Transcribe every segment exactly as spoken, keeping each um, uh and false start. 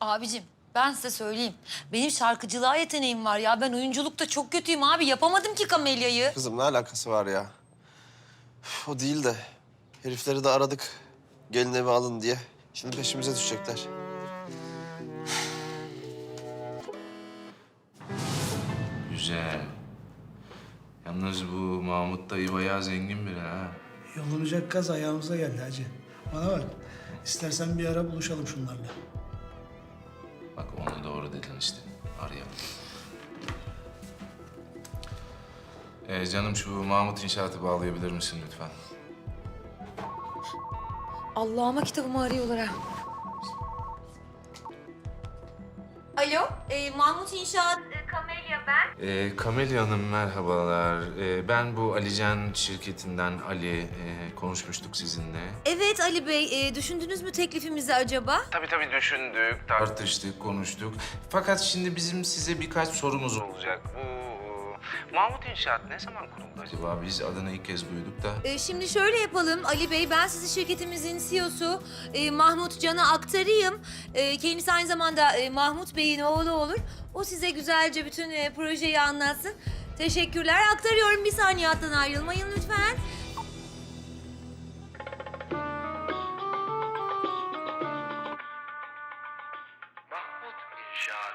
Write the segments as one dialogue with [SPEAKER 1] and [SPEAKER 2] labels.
[SPEAKER 1] Abicim ben size söyleyeyim. Benim şarkıcılığa yeteneğim var ya. Ben oyunculukta çok kötüyüm abi. Yapamadım ki Kamelya'yı.
[SPEAKER 2] Kızım ne alakası var ya? Üf, o değil de herifleri de aradık. Gelin evi alın diye. Şimdi peşimize düşecekler.
[SPEAKER 3] Güzel. Yalnız bu Mahmut dayı bayağı zengin biri ha.
[SPEAKER 4] Yolunacak gaz ayağımıza geldi hacı. Bana bak, istersen bir ara buluşalım şunlarla.
[SPEAKER 3] Bak onu doğru dedin işte. Arayalım. Ee, canım şu Mahmut İnşaat'ı bağlayabilir misin lütfen?
[SPEAKER 1] Allah'ıma kitabımı arıyorlar ha. Alo, e, Mahmut İnşaat. E, Kamelya ben.
[SPEAKER 3] Ee, Kamelya Hanım merhabalar. Ee, ben bu Alican şirketinden Ali. Ee, konuşmuştuk sizinle.
[SPEAKER 1] Evet Ali Bey, e, düşündünüz mü teklifimizi acaba?
[SPEAKER 3] Tabii tabii düşündük, tartıştık, konuştuk. Fakat şimdi bizim size birkaç sorumuz olacak. Bu e, Mahmut İnşaat ne zaman kuruldu acaba? Biz adını ilk kez duyduk da.
[SPEAKER 1] E, şimdi şöyle yapalım Ali Bey, ben sizi şirketimizin C E O'su e, Mahmut Can'a aktarayım. E, kendisi aynı zamanda e, Mahmut Bey'in oğlu olur. O size güzelce bütün e, projeyi anlatsın. Teşekkürler, aktarıyorum. Bir saniye hattan ayrılmayın lütfen.
[SPEAKER 3] Mahmut İnşaat.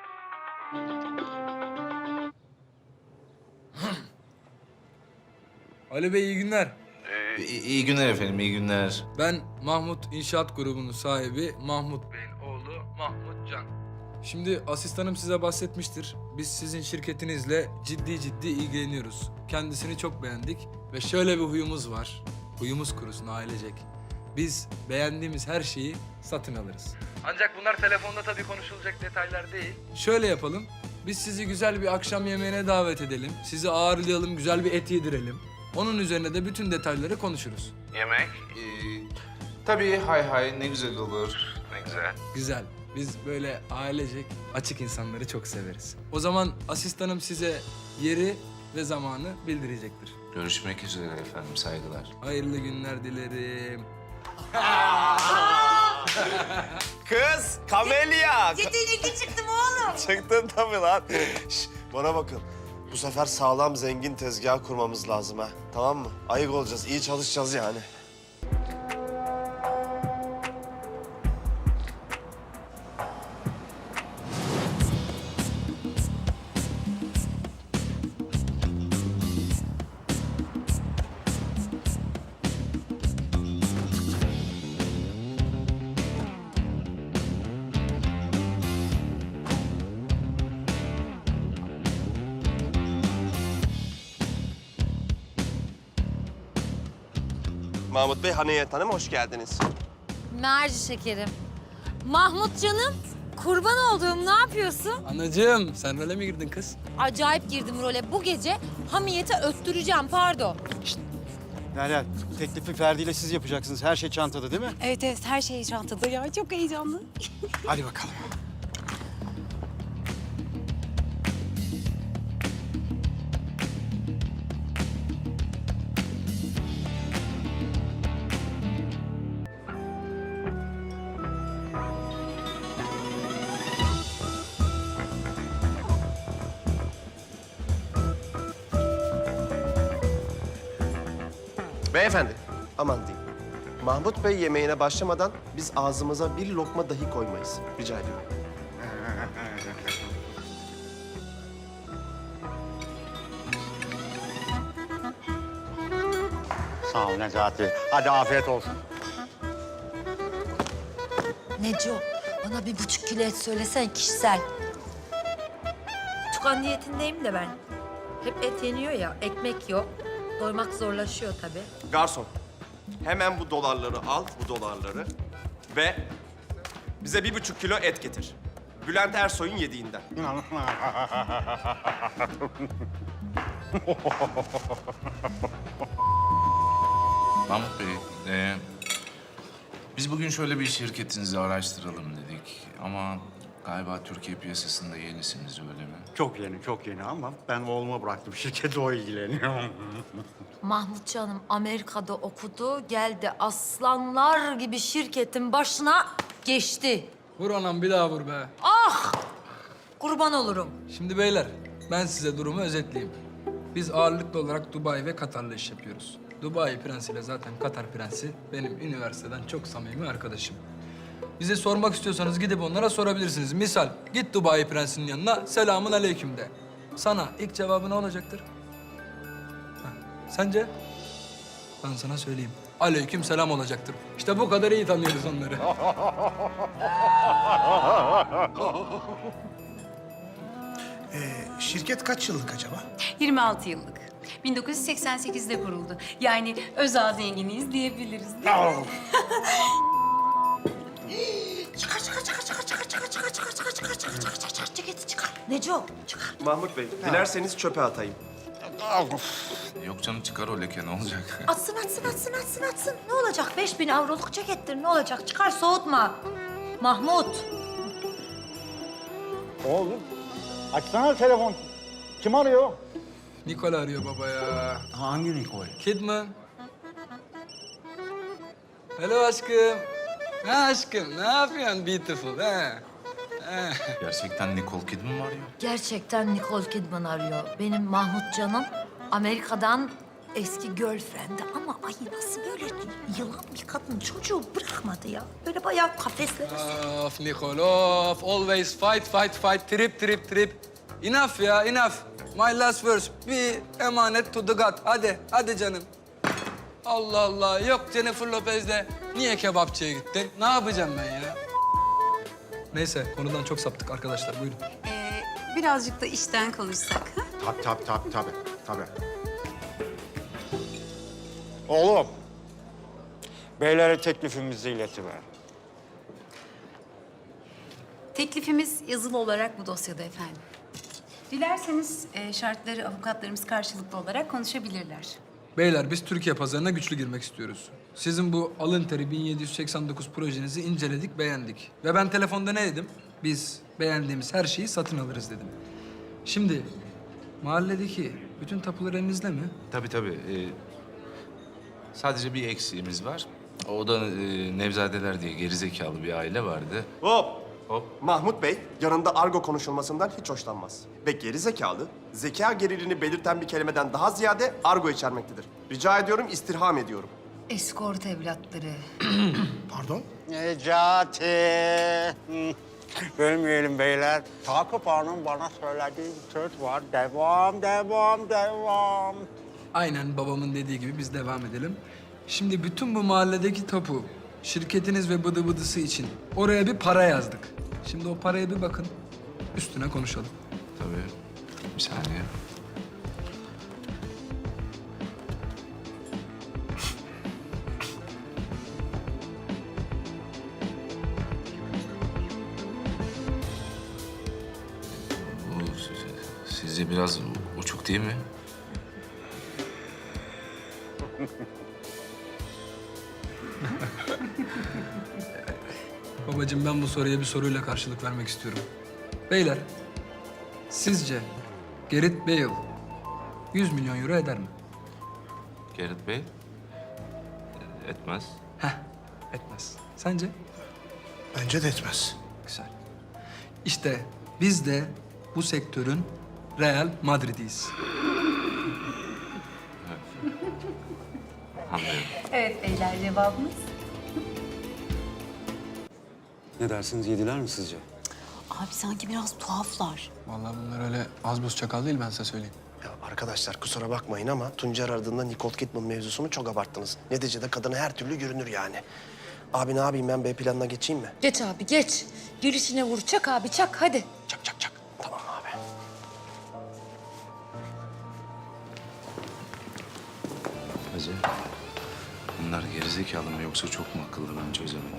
[SPEAKER 5] Ali Bey iyi günler.
[SPEAKER 3] Ee, iyi, iyi günler efendim, iyi günler.
[SPEAKER 5] Ben Mahmut İnşaat Grubu'nun sahibi Mahmut Bey'in oğlu Mahmut Can. Şimdi asistanım size bahsetmiştir. Biz sizin şirketinizle ciddi ciddi ilgileniyoruz. Kendisini çok beğendik ve şöyle bir huyumuz var. Huyumuz kurusun ailecek. Biz beğendiğimiz her şeyi satın alırız. Ancak bunlar telefonda tabii konuşulacak detaylar değil. Şöyle yapalım. Biz sizi güzel bir akşam yemeğine davet edelim. Sizi ağırlayalım, güzel bir et yedirelim. Onun üzerine de bütün detayları konuşuruz.
[SPEAKER 3] Yemek? Ee, tabii hay hay ne güzel olur. Ne güzel.
[SPEAKER 5] Güzel. Biz böyle ailecek açık insanları çok severiz. O zaman asistanım size yeri ve zamanı bildirecektir.
[SPEAKER 3] Görüşmek üzere efendim, saygılar.
[SPEAKER 5] Hayırlı günler dilerim.
[SPEAKER 2] Kız, Kamelya!
[SPEAKER 1] Yetenekli çıktım oğlum.
[SPEAKER 2] Çıktın tabii lan. Şş, bana bakın. Bu sefer sağlam zengin tezgah kurmamız lazım ha. Tamam mı? Ayık olacağız, iyi çalışacağız yani. Mahmut Bey, Haniyet Hanım hoş geldiniz.
[SPEAKER 1] Merci şekerim. Mahmut canım, kurban olduğum ne yapıyorsun?
[SPEAKER 5] Anacığım sen role mi girdin kız?
[SPEAKER 1] Acayip girdim role. Bu gece hamiyete öttüreceğim, pardon.
[SPEAKER 6] Derya, teklifi Ferdi ile siz yapacaksınız. Her şey çantada değil mi?
[SPEAKER 7] Evet evet her şey çantada ya. Çok heyecanlı.
[SPEAKER 6] Hadi bakalım.
[SPEAKER 2] Beyefendi, aman diyeyim. Mahmut Bey yemeğine başlamadan biz ağzımıza bir lokma dahi koymayız. Rica ediyorum.
[SPEAKER 6] Sağ ol Necati. Hadi afiyet olsun.
[SPEAKER 1] Neco, bana bir buçuk kilo et söylesen kişisel. Tukan diyetindeyim de ben. Hep et yeniyor ya, ekmek yok. Doymak zorlaşıyor tabii.
[SPEAKER 2] Garson, hemen bu dolarları al, bu dolarları ve bize bir buçuk kilo et getir. Bülent Ersoy'un yediğinden.
[SPEAKER 3] Mahmut Bey, e, biz bugün şöyle bir şirketinizi araştıralım dedik. Ama galiba Türkiye piyasasında yenisiniz, öyle mi?
[SPEAKER 6] Çok yeni, çok yeni ama ben oğluma bıraktım. Şirkette o ilgileniyor.
[SPEAKER 1] Mahmut canım Amerika'da okudu, geldi aslanlar gibi şirketin başına geçti.
[SPEAKER 5] Vur anam bir daha vur be.
[SPEAKER 1] Kurban olurum.
[SPEAKER 5] Şimdi beyler, ben size durumu özetleyeyim. Biz ağırlıklı olarak Dubai ve Katar'la iş yapıyoruz. Dubai prensiyle zaten Katar prensi benim üniversiteden çok samimi arkadaşım. Bize sormak istiyorsanız gidip onlara sorabilirsiniz. Misal, git Dubai prensinin yanına, selamun aleyküm de. Sana ilk cevabı ne olacaktır? Ha, sence? Ben sana söyleyeyim. Aleyküm selam olacaktır. İşte bu kadar iyi tanıyoruz onları.
[SPEAKER 4] Ee, şirket kaç yıllık acaba?
[SPEAKER 7] yirmi altı yıllık. bin dokuz yüz seksen sekizde kuruldu. Yani özel zenginiyiz diyebiliriz değil mi?
[SPEAKER 1] Çıkar çıkar çıkar çıkar çıkar çıkar çıkar çıkar çıkar çıkar çıkar çıkar çıkar çıkar ceketi çıkar. Neco çıkar.
[SPEAKER 2] Mahmut Bey, dilerseniz çöpe atayım.
[SPEAKER 3] Yok canım çıkar o leke ne olacak?
[SPEAKER 1] Atsın atsın atsın atsın atsın. Ne olacak? Beş bin avroluk cekettir ne olacak? Çıkar soğutma. Mahmut.
[SPEAKER 6] Oğlum, açsana telefon. Kim arıyor?
[SPEAKER 5] Nikol arıyor baba ya.
[SPEAKER 6] Hangi Nikol?
[SPEAKER 5] Kidman. Hello aşkım. Ha aşkım, ne yapıyorsun beautiful ha? Ha.
[SPEAKER 3] Gerçekten Nicole Kidman mı arıyor?
[SPEAKER 1] Gerçekten Nicole Kidman arıyor. Benim Mahmut canım Amerika'dan eski girlfriend'i ama ay nasıl böyle yılan bir kadın çocuğu bırakmadı ya. Böyle bayağı kafeslere
[SPEAKER 5] Of Nikol, of. Always fight, fight, fight. Trip, trip, trip. Enough ya, enough. My last verse. Bir emanet to the God. Hadi, hadi canım. Allah Allah. Yok Jennifer Lopez'le niye kebapçıya gittin? Ne yapacağım ben ya? Neyse, konudan çok saptık arkadaşlar. Buyurun.
[SPEAKER 7] Ee, birazcık da işten konuşsak. Ha?
[SPEAKER 6] Tabii tabii tabii tabii. tabii. Oğlum, beylere teklifimizi iletiver.
[SPEAKER 7] Teklifimiz yazılı olarak bu dosyada efendim. Dilerseniz e, şartları avukatlarımız karşılıklı olarak konuşabilirler.
[SPEAKER 5] Beyler biz Türkiye pazarına güçlü girmek istiyoruz. Sizin bu alın teri bin yedi yüz seksen dokuz projenizi inceledik, beğendik. Ve ben telefonda ne dedim? Biz beğendiğimiz her şeyi satın alırız dedim. Şimdi mahalledeki bütün tapular elinizde mi?
[SPEAKER 3] Tabii tabii. Ee, sadece bir eksiğimiz var. O da e, Nevzadeler diye gerizekalı bir aile vardı.
[SPEAKER 2] Hop!
[SPEAKER 3] Hop.
[SPEAKER 2] Mahmut Bey, yanında argo konuşulmasından hiç hoşlanmaz. Ve geri zekalı, zeka geriliğini belirten bir kelimeden daha ziyade argo içermektedir. Rica ediyorum, istirham ediyorum.
[SPEAKER 1] eskort evlatları.
[SPEAKER 4] Pardon?
[SPEAKER 6] Necati. Hı. Bölmeyelim beyler. Takip Hanım bana söylediği bir söz var. Devam, devam, devam.
[SPEAKER 5] Aynen babamın dediği gibi biz devam edelim. Şimdi bütün bu mahalledeki tapu, şirketiniz ve bıdı bıdısı için oraya bir para yazdık. Şimdi o paraya bir bakın, üstüne konuşalım.
[SPEAKER 3] Tabii. Bir saniye. Bu siz- sizce biraz uçuk değil mi?
[SPEAKER 5] Babacığım ben bu soruya bir soruyla karşılık vermek istiyorum. Beyler, sizce Gareth Bale yüz milyon euro eder mi?
[SPEAKER 3] Gerrit Bey? Etmez.
[SPEAKER 5] Heh, etmez. Sence?
[SPEAKER 4] Bence de etmez.
[SPEAKER 5] Güzel. İşte biz de bu sektörün Real Madrid'iyiz.
[SPEAKER 3] Anlıyorum.
[SPEAKER 7] Evet beyler cevabımız.
[SPEAKER 6] Ne dersiniz, yediler mi sizce?
[SPEAKER 7] Abi sanki biraz tuhaflar.
[SPEAKER 5] Vallahi bunlar öyle az buz çakal değil ben size söyleyeyim.
[SPEAKER 8] Ya arkadaşlar kusura bakmayın ama Tuncer aradığında Nicole Kidman mevzusunu çok abarttınız. Neticede kadına her türlü görünür yani. Abi ne yapayım ben B planına geçeyim mi?
[SPEAKER 1] Geç abi geç. Girişine vur çak abi çak hadi.
[SPEAKER 8] Çak çak çak. Tamam abi.
[SPEAKER 3] Hacı, bunlar gerizekalı mı yoksa çok mu akıllı ben çözemedim.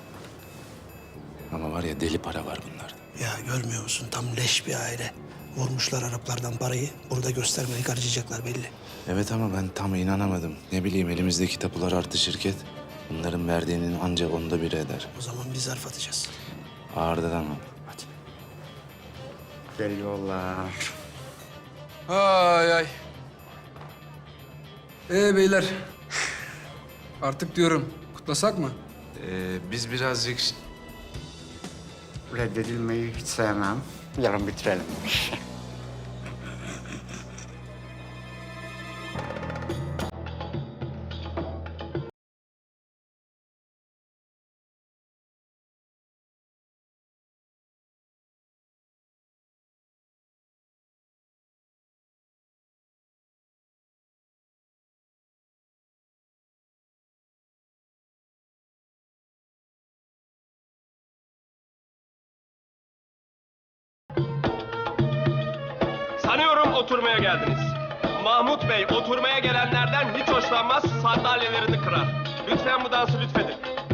[SPEAKER 3] Ama var ya deli para var bunlarda.
[SPEAKER 4] Ya görmüyor musun? Tam leş bir aile. Vurmuşlar Araplardan parayı. Bunu da göstermeyi harcayacaklar belli.
[SPEAKER 3] Evet ama ben tam inanamadım. Ne bileyim elimizdeki tapular artı şirket. Bunların verdiğinin ancak onda biri eder.
[SPEAKER 4] O zaman biz zarf atacağız.
[SPEAKER 3] Ağırdan ama.
[SPEAKER 4] Hadi.
[SPEAKER 6] Geliyorlar.
[SPEAKER 5] Ay ay. Ee beyler. Artık diyorum kutlasak mı?
[SPEAKER 3] Ee, biz birazcık... ş-
[SPEAKER 6] reddedilmeyi hiç sevmem. Yarın bitirelim.
[SPEAKER 2] Sanıyorum oturmaya geldiniz. Mahmut Bey oturmaya gelenlerden hiç hoşlanmaz, sandalyelerini kırar. Lütfen bu dansı lütfedin.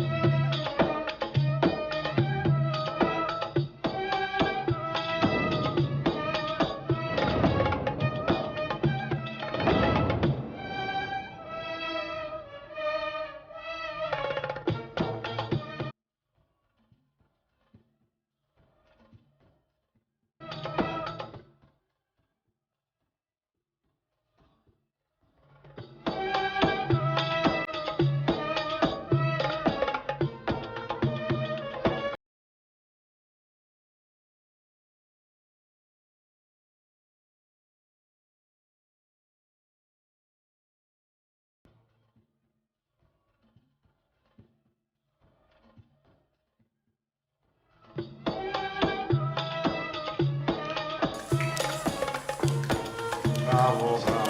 [SPEAKER 6] Bravo, bravo.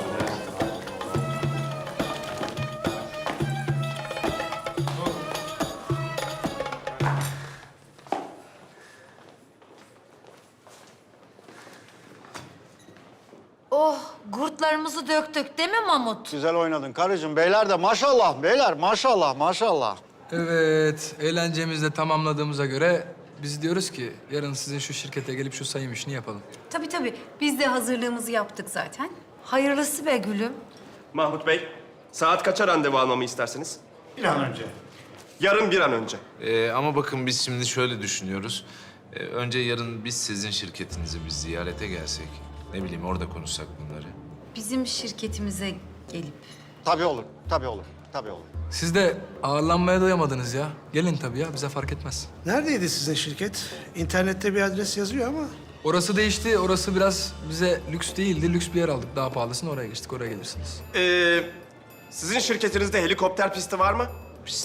[SPEAKER 1] Oh, gurtlarımızı döktük değil mi Mahmut?
[SPEAKER 6] Güzel oynadın karıcığım. Beyler de maşallah, beyler maşallah, maşallah.
[SPEAKER 5] Evet, eğlencemizi de tamamladığımıza göre biz diyoruz ki yarın sizin şu şirkete gelip şu sayım işini yapalım.
[SPEAKER 7] Tabii tabii. Biz de hazırlığımızı yaptık zaten.
[SPEAKER 1] Hayırlısı be gülüm.
[SPEAKER 2] Mahmut Bey, saat kaça randevu almamı istersiniz?
[SPEAKER 6] Bir an önce.
[SPEAKER 2] Yarın bir an önce.
[SPEAKER 3] Ee, ama bakın biz şimdi şöyle düşünüyoruz. Ee, önce yarın biz sizin şirketinizi bir ziyarete gelsek. Ne bileyim orada konuşsak bunları.
[SPEAKER 7] Bizim şirketimize gelip
[SPEAKER 6] Tabii olur, tabii olur, tabii olur.
[SPEAKER 5] Siz de ağırlanmaya doyamadınız ya. Gelin tabii ya, bize fark etmez.
[SPEAKER 4] Neredeydi sizin şirket? İnternette bir adres yazıyor ama.
[SPEAKER 5] Orası değişti, orası biraz bize lüks değildi. Lüks bir yer aldık, daha pahalısını oraya geçtik, oraya gelirsiniz.
[SPEAKER 2] Ee, sizin şirketinizde helikopter pisti var mı?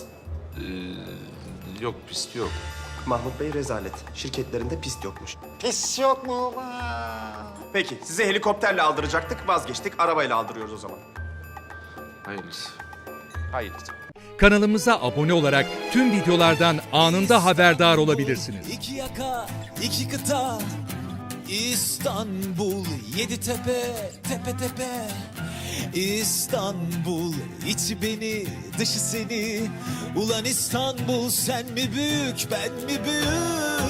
[SPEAKER 3] Yok pist yok.
[SPEAKER 2] Mahmut Bey rezalet. Şirketlerinde pist yokmuş.
[SPEAKER 6] Pis yok mu?
[SPEAKER 2] Peki, size helikopterle aldıracaktık, vazgeçtik. Arabayla aldırıyoruz o zaman.
[SPEAKER 3] Hayırlısı.
[SPEAKER 2] Hayır.
[SPEAKER 9] Kanalımıza abone olarak tüm videolardan anında haberdar olabilirsiniz.
[SPEAKER 10] İki yaka, iki kıta, İstanbul, yedi tepe, tepe tepe. İstanbul, içi beni, dışı seni. Ulan İstanbul, sen mi büyük, ben mi büyük?